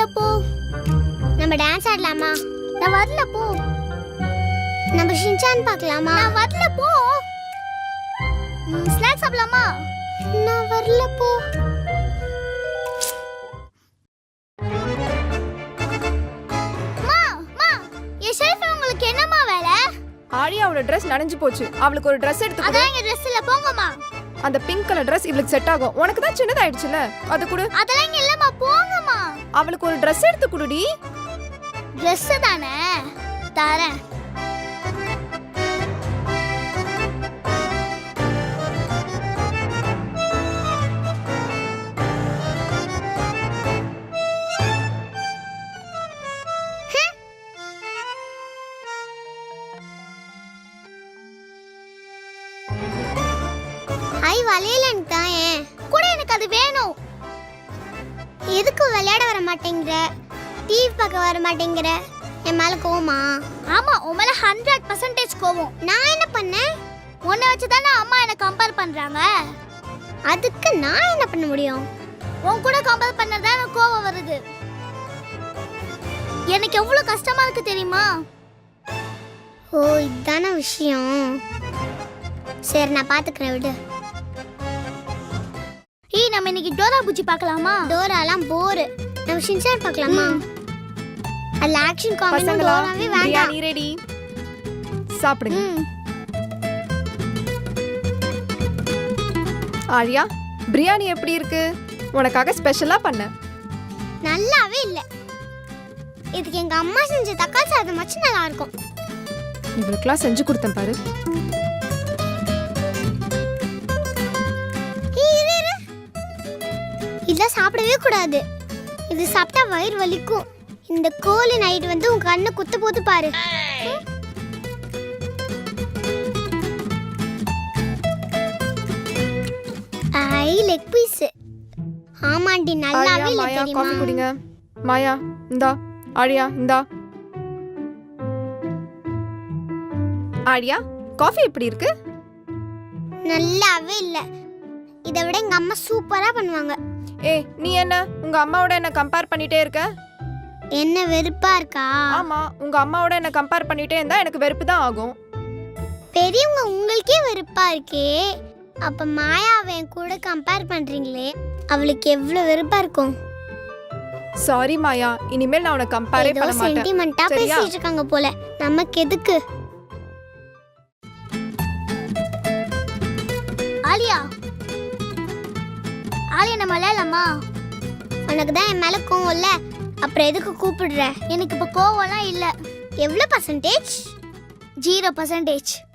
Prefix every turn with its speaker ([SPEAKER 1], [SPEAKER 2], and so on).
[SPEAKER 1] போ. நம்ம டான்ஸ் ஆடலாமா? நான் வரல போ. நம்ம ஷின்சான் பார்க்கலாமா? நான் வரல போ. ஸ்நாக்ஸ் சாப்பிடலாமா? நான் வரல போ. உங்களுக்கு என்னமா வேலை?
[SPEAKER 2] ஆரியாவோட Dress நனைஞ்சு போச்சு. அவளுக்கு ஒரு Dress எடுத்து கொடு.
[SPEAKER 1] அதான் எங்க Dress இல்ல, போங்கம்மா.
[SPEAKER 2] அந்த பிங்க் கலர் Dress இவளுக்கு செட் ஆகும். உனக்கு தான் சின்னதாயிடுச்சுல, அது கொடு.
[SPEAKER 1] அதெல்லாம் இங்க இல்லம்மா, போங்கம்மா.
[SPEAKER 2] அவளுக்கு ஒரு Dress எடுத்து கொடுடி.
[SPEAKER 1] Dress தானே தரேன். வளையலன்னு தான் கூட எனக்கு அது வேணும். எதுக்கு விளையாட வர மாட்டேங்கிற? டிவி பார்க்க வர மாட்டேங்கிற? என் மேல கோவமா? ஆமா, உன் மேல 100% கோவம். நான் என்ன பண்ணேன்? உன்னை வச்சு தானே அம்மா என்ன கம்பேர் பண்றாங்க. அதுக்கு நான் என்ன பண்ண முடியும்? உன் கூட கம்பேர் பண்ணறதா எனக்கு கோவம் வருது. எனக்கு எவ்வளவு கஷ்டமா இருக்கு தெரியுமா? ஓ, இதான விஷயம். சரி, நான் பாத்துக்கிறேன், விடு. நம்ம இன்னைக்கு டோரா பூச்சி பார்க்கலாமா? டோராலாம் போர். நம்ம ஷின்சான் பார்க்கலாமா? அல்ல ஆக்ஷன் காமெடி டோராவே வேண்டாம்.
[SPEAKER 2] நீ ரெடி? சாப்பிடுங்க. ஆரியா, பிரியாணி எப்படி இருக்கு? உனக்காக ஸ்பெஷலா பண்ண.
[SPEAKER 1] நல்லாவே இல்ல. இதுக்கு எங்க அம்மா செஞ்ச தக்காளி சாதம் வச்சு நல்லா இருக்கும்.
[SPEAKER 2] இவளுக்குலாம் செஞ்சு கொடுத்தேன் பாரு.
[SPEAKER 1] இதெல்லாம் சாப்பிடவே கூடாது. இது சாப்பிட்டா வயிறு வலிக்கும். இந்த கோழி நைட் வந்து உன் கண்ணை குத்து போது பாரு. ஐ லெக் பீஸ். ஆமாண்டி, நல்லாவே இல்ல தெரியுமா?
[SPEAKER 2] காபி குடிங்க. மாயா இந்தா. ஆரியா இந்தா. ஆரியா, காபி எப்படி இருக்கு?
[SPEAKER 1] நல்லாவே இல்ல. இதை விட எங்க அம்மா சூப்பரா பண்ணுவாங்க.
[SPEAKER 2] ஏய், நீ என்ன உங்க அம்மாவோட என்ன கம்பேர் பண்ணிட்டே இருக்க?
[SPEAKER 1] என்ன வெறுப்பா இருக்கா?
[SPEAKER 2] ஆமா, உங்க அம்மாவோட என்ன கம்பேர் பண்ணிட்டே இருந்தா எனக்கு வெறுப்பு தான் ஆகும்.
[SPEAKER 1] பெரியவங்க உங்களுக்கே வெறுப்பா இருக்கே, அப்ப மாயாவை கூட கம்பேர் பண்றீங்களே, அவளுக்கு எவ்வளவு வெறுப்பா இருக்கும்.
[SPEAKER 2] சாரி மாயா, இனிமேல் நான் உன்னை கம்பேரே பண்ண மாட்டேன்.
[SPEAKER 1] சென்டிமெண்டா பேசிட்டு இருக்காங்க போல. நமக்கு எதுக்கு? ஆலியா, ஆலியா, நம்ம விளையாடலாமா? உனக்கு தான் என் மேல கோவம் இல்ல, அப்புறம் எதுக்கு கூப்பிடுற? எனக்கு இப்ப கோவம்லாம் இல்ல. எவ்வளவு %? 0%.